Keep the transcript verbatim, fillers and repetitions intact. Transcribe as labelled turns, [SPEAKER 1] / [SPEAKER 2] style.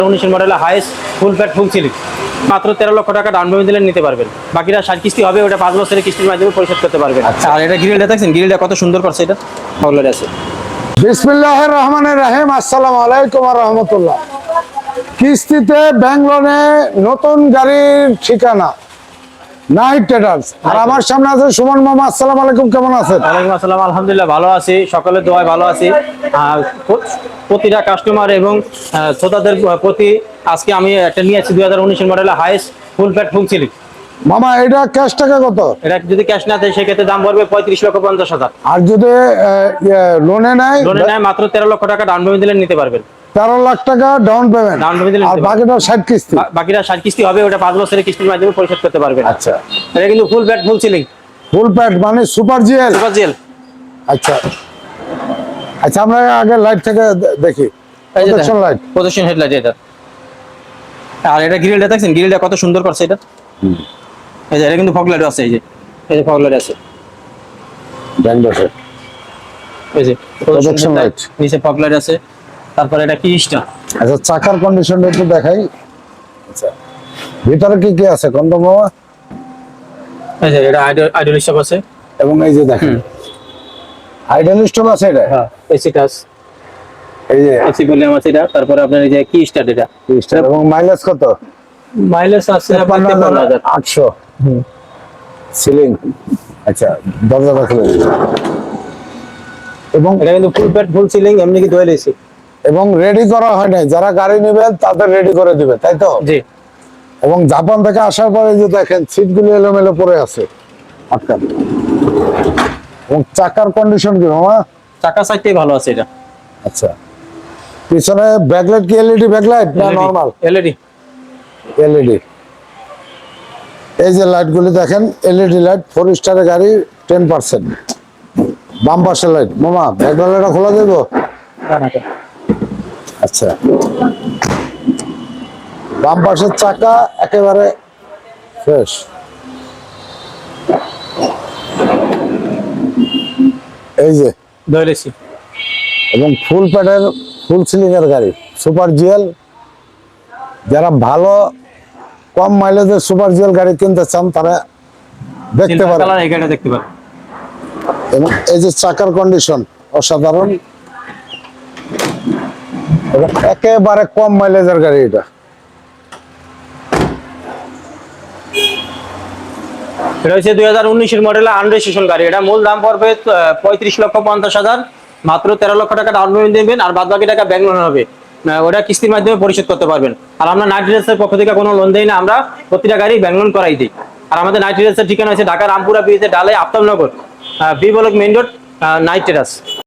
[SPEAKER 1] উনিশের মডেলের highest full fat full ceiling মাত্র তেরো লক্ষ টাকা ডাউন পেমেন্ট দিলে নিতে পারবেন। বাকিটা ষাট কিস্তি হবে, ওটা পাঁচ বছরের কিস্তির মাধ্যমে পরিশোধ করতে পারবেন। আচ্ছা, আর এটা গ্রিলটা দেখছেন, গ্রিলটা কত সুন্দর করছে, এটা ফগলার আছে।
[SPEAKER 2] বিসমিল্লাহির রহমানির রহিম। আসসালামু আলাইকুম ওয়া রাহমাতুল্লাহ। কিস্তিতে ব্যাংক লোনে নতুন গাড়ির ঠিকানা নাইট ট্রেডার্স। আর আমার সামনে আছে সুমন মামা। আসসালামু আলাইকুম, কেমন আছেন?
[SPEAKER 1] ওয়ালাইকুম আসসালাম, আলহামদুলিল্লাহ ভালো আছি, সকলের দোয়ায় ভালো আছি। আর প্রতিটা কাস্টমার এবং শ্রোতাদের প্রতি আজকে আমি একটা নিয়ে আছি দুই হাজার উনিশের মডেলের highest full fat full ceiling.
[SPEAKER 2] মামা এটা ক্যাশ টাকা কত?
[SPEAKER 1] এটা যদি ক্যাশ না দেয় সেক্ষেত্রে দাম পড়বে পঁয়ত্রিশ লক্ষ পঞ্চাশ হাজার।
[SPEAKER 2] আর যদি লোনে নেয়?
[SPEAKER 1] লোনে নেয় মাত্র তেরো লক্ষ টাকা ডাউন পেমেন্ট দিলে নিতে পারবেন।
[SPEAKER 2] তেরো লাখ টাকা ডাউন পেমেন্ট,
[SPEAKER 1] ডাউন পেমেন্ট দিলে
[SPEAKER 2] আর বাকিটা ষাট কিস্তি।
[SPEAKER 1] বাকিটা ষাট কিস্তি হবে, ওটা পাঁচ বছরের কিস্তির মাধ্যমে পরিশোধ করতে পারবেন।
[SPEAKER 2] আচ্ছা,
[SPEAKER 1] এটা কিন্তু full fat full ceiling,
[SPEAKER 2] full pad মানে সুপার জিএল।
[SPEAKER 1] Super gel.
[SPEAKER 2] আচ্ছা আচ্ছা, আমরা আগে লাইট থেকে দে- দেখি। প্রোটেকশন লাইট,
[SPEAKER 1] প্রদর্শন হেডলাইট এটা। আর এটা গ্রিলটা দেখছেন, গ্রিলটা কত সুন্দর করছে এটা। এই যে এটা কিন্তু ফগ লাইট আছে, এই যে এই যে ফগ লাইট আছে,
[SPEAKER 2] ব্যাংডসে
[SPEAKER 1] এই যে
[SPEAKER 2] প্রোটেকশন লাইট,
[SPEAKER 1] নিচে ফগ লাইট আছে। তারপরে এটা কিস্টা।
[SPEAKER 2] আচ্ছা চাকার কন্ডিশনটা একটু দেখাই। আচ্ছা, ভিতরে কি কি আছে কোন মামা?
[SPEAKER 1] এই যে এটা আইডল স্টপ আছে,
[SPEAKER 2] এবং এই যে দেখেন আইডল স্টপ আছে এটা।
[SPEAKER 1] হ্যাঁ এসি টাচ,
[SPEAKER 2] এই যে
[SPEAKER 1] এসি ভলিউম আছে এটা। তারপরে আপনার এই যে কি স্টার্ট, এটা
[SPEAKER 2] এবং মাইলেজ কত?
[SPEAKER 1] মাইলেজ আছে আপনার তেপ্পান্ন হাজার
[SPEAKER 2] আটশো। সিলিং। আচ্ছা, দরজাটা খুলে দিন। এবং
[SPEAKER 1] এটা কিন্তু ফুল প্যাড ফুল সিলিং, এমনি কি দোয়েল এসি।
[SPEAKER 2] এবং রেডি করা হয় নাই, যারা গাড়ি নেবেন তাদের রেডি করে দিবে, তাই তো?
[SPEAKER 1] জি।
[SPEAKER 2] এবং জাপান থেকে আসার পরে যে দেখেন সিটগুলো এলোমেলো পড়ে আছে আটকান। এবং চাকার কন্ডিশন কি মামা?
[SPEAKER 1] চাকা সাইডটাই ভালো আছে এটা।
[SPEAKER 2] আচ্ছা, পিছনে ব্যাকলাইট কি এলইডি ব্যাকলাইট না নরমাল?
[SPEAKER 1] এলইডি।
[SPEAKER 2] এলইডি। এই যে লাইটগুলি দেখেন এলইডি লাইট, ফোর স্টারের গাড়ি টেন পার্সেন্ট। বাম পাশের লাইট মামা, ব্যাকলাইটটা খোলা দেবো? আচ্ছা, বাম পাশের চাকা একেবারে ফ্রেশ। এই যে
[SPEAKER 1] দোয়েল এসি
[SPEAKER 2] এবং ফুল প্যাডের ফুল সিলিং এর গাড়ি সুপার জিএল। যারা ভালো কম মাইলেজের সুপার জিএল গাড়ি কিনতে চান তারা দেখতে পারেন।
[SPEAKER 1] কালার এই গাড়িটা দেখতে পারেন।
[SPEAKER 2] এবং এই যে চাকার কন্ডিশন অসাধারণ এবং একেবারে কম মাইলেজের গাড়ি এটা।
[SPEAKER 1] এটা হচ্ছে দুই হাজার উনিশের মডেলের আনরেজিস্ট্রেশন গাড়ি। এটা মূল দাম পড়বে পঁয়ত্রিশ লক্ষ পঞ্চাশ হাজার। মাত্র তেরো লক্ষ টাকা ডাউন পেমেন্ট দেবেন, আর বাদ বাকি টাকা ব্যাংক লোন হবে, ওটা কিস্তির মাধ্যমে পরিশোধ করতে পারবেন। আর আমরা নাইট রিডার্সের পক্ষ থেকে কোনো লোন দেই না, আমরা প্রতিটা গাড়ি ব্যাংক লোন করাই দিই। আর আমাদের নাইট রিডার্সের ঠিকানা হচ্ছে ঢাকা রামপুরা ব্রিজে ডালে Aftabnagar, B block main road, night readers.